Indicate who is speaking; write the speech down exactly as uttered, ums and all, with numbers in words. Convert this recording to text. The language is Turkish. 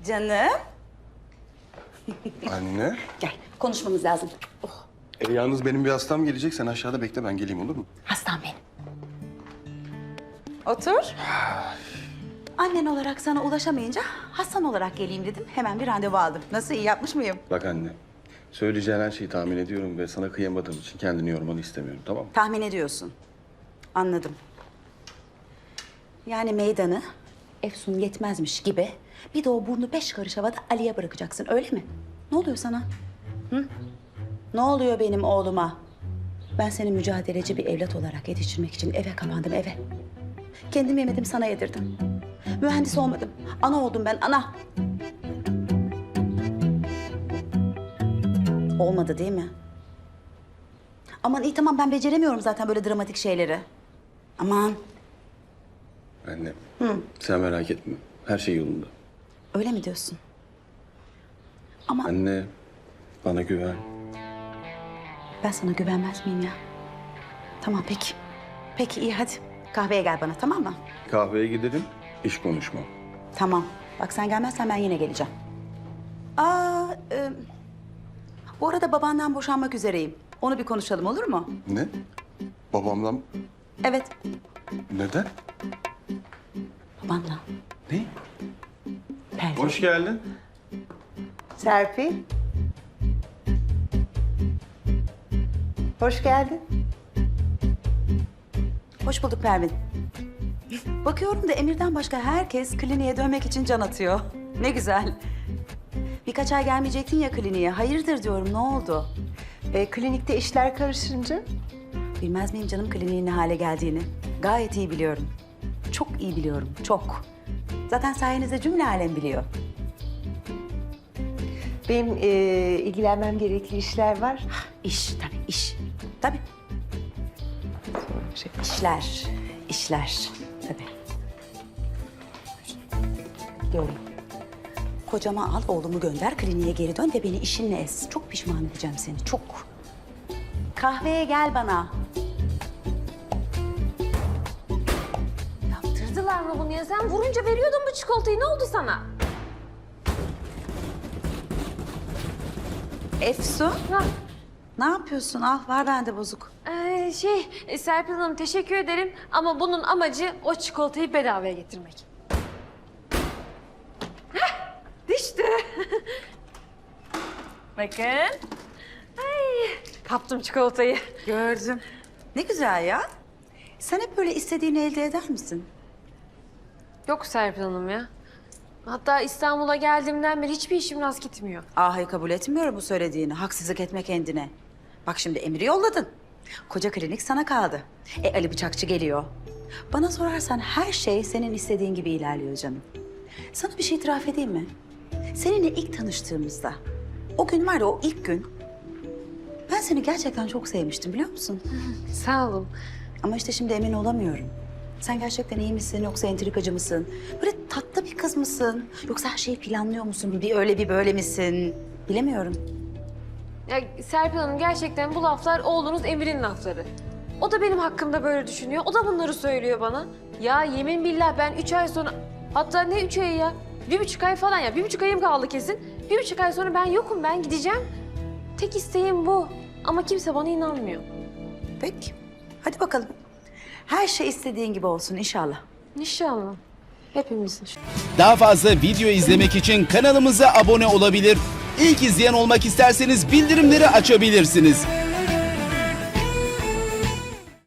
Speaker 1: Canım.
Speaker 2: Anne.
Speaker 1: Gel, konuşmamız lazım. Oh,
Speaker 2: E, yalnız benim bir hastam gelecek. Sen aşağıda bekle, ben geleyim, olur mu?
Speaker 1: hastam benim. Otur. Annen olarak sana ulaşamayınca hastan olarak geleyim dedim. Hemen bir randevu aldım. Nasıl, iyi yapmış mıyım?
Speaker 2: Bak anne, söyleyeceğin her şeyi tahmin ediyorum ve sana kıyamadığım için kendini yormanı istemiyorum, tamam mı?
Speaker 1: Tahmin ediyorsun. Anladım. Yani meydanı Efsun yetmezmiş gibi bir de o burnu beş karış havada Ali'ye bırakacaksın, öyle mi? Ne oluyor sana? Hı? Ne oluyor benim oğluma? Ben seni mücadeleci bir evlat olarak yetiştirmek için eve kapandım, eve. Kendim yemedim, sana yedirdim. Mühendis olmadım. Ana oldum ben, ana. Olmadı değil mi? Aman iyi tamam, ben beceremiyorum zaten böyle dramatik şeyleri. Aman.
Speaker 2: Anne, Hı. sen merak etme. Her şey yolunda.
Speaker 1: Öyle mi diyorsun? Ama
Speaker 2: Anne, bana güven.
Speaker 1: ben sana güvenmez miyim ya? Tamam peki. Peki iyi hadi. Kahveye gel bana, tamam mı?
Speaker 2: Kahveye gidelim, iş konuşmam.
Speaker 1: Tamam. Bak sen gelmezsen ben yine geleceğim. Aa, e, bu arada babandan boşanmak üzereyim. Onu bir konuşalım, olur mu?
Speaker 2: Ne? Babamla...
Speaker 1: Evet,
Speaker 2: Neden?
Speaker 1: babanla.
Speaker 2: Ne?
Speaker 1: Pervin.
Speaker 2: Hoş geldin.
Speaker 3: Serpil. Hoş geldin.
Speaker 1: Hoş bulduk Pervin. Bakıyorum da Emir'den başka herkes kliniğe dönmek için can atıyor. Ne güzel. Birkaç ay gelmeyecektin ya kliniğe. Hayırdır diyorum, ne oldu?
Speaker 3: E, klinikte işler karışınca
Speaker 1: Bilmez miyim canım kliniğin ne hale geldiğini? Gayet iyi biliyorum. Çok iyi biliyorum, çok. Zaten sayenizde cümle alem biliyor.
Speaker 3: benim e, ilgilenmem gerekli işler var.
Speaker 1: İş tabii, iş. Tabii.
Speaker 3: Şey,
Speaker 1: İşler, işler. Tabii. Diyorum. Kocama al, oğlumu gönder, kliniğe geri dön ve beni işinle ez. Çok pişman edeceğim seni, çok. Kahveye gel bana.
Speaker 4: Yaptırdılar mı bunu ya? Sen vurunca veriyordun bu çikolatayı. Ne oldu sana?
Speaker 1: Efsun,
Speaker 4: Ha,
Speaker 1: ne yapıyorsun? Al, var bende bozuk.
Speaker 4: ee, şey, e, Serpil Hanım teşekkür ederim. Ama bunun amacı o çikolatayı bedavaya getirmek. Heh, düştü. Bakın. Ay, kaptım çikolatayı.
Speaker 1: Gördüm. Ne güzel ya. Sen hep böyle istediğini elde eder misin?
Speaker 4: Yok Serpil Hanım ya. Hatta İstanbul'a geldiğimden beri hiçbir işim rast gitmiyor.
Speaker 1: Ahayı kabul etmiyorum bu söylediğini. Haksızlık etme kendine. Bak şimdi Emir'i yolladın. Koca klinik sana kaldı. E Ali Bıçakçı geliyor. Bana sorarsan her şey senin istediğin gibi ilerliyor canım. Sana bir şey itiraf edeyim mi? Seninle ilk tanıştığımızda, o gün var ya, o ilk gün, ben seni gerçekten çok sevmiştim, biliyor musun?
Speaker 4: Sağ olun.
Speaker 1: Ama işte şimdi emin olamıyorum. Sen gerçekten iyi misin yoksa entrikacı mısın? Böyle tatlı bir kız mısın? Yoksa her şeyi planlıyor musun? Bir öyle bir böyle misin? Bilemiyorum.
Speaker 4: Ya Serpil Hanım gerçekten bu laflar oğlunuz Emir'in lafları. O da benim hakkımda böyle düşünüyor. O da bunları söylüyor bana. Ya yemin billah ben üç ay sonra... Hatta ne üç ayı ya? Bir buçuk ay falan ya. Bir buçuk ayım kaldı kesin. Bir buçuk ay sonra ben yokum, ben gideceğim. Tek isteğim bu. Ama kimse bana inanmıyor.
Speaker 1: Peki. Hadi bakalım. Her şey istediğin gibi olsun inşallah.
Speaker 4: İnşallah. Hepimizin.
Speaker 5: Daha fazla video izlemek için kanalımıza abone olabilir. İlk izleyen olmak isterseniz bildirimleri açabilirsiniz.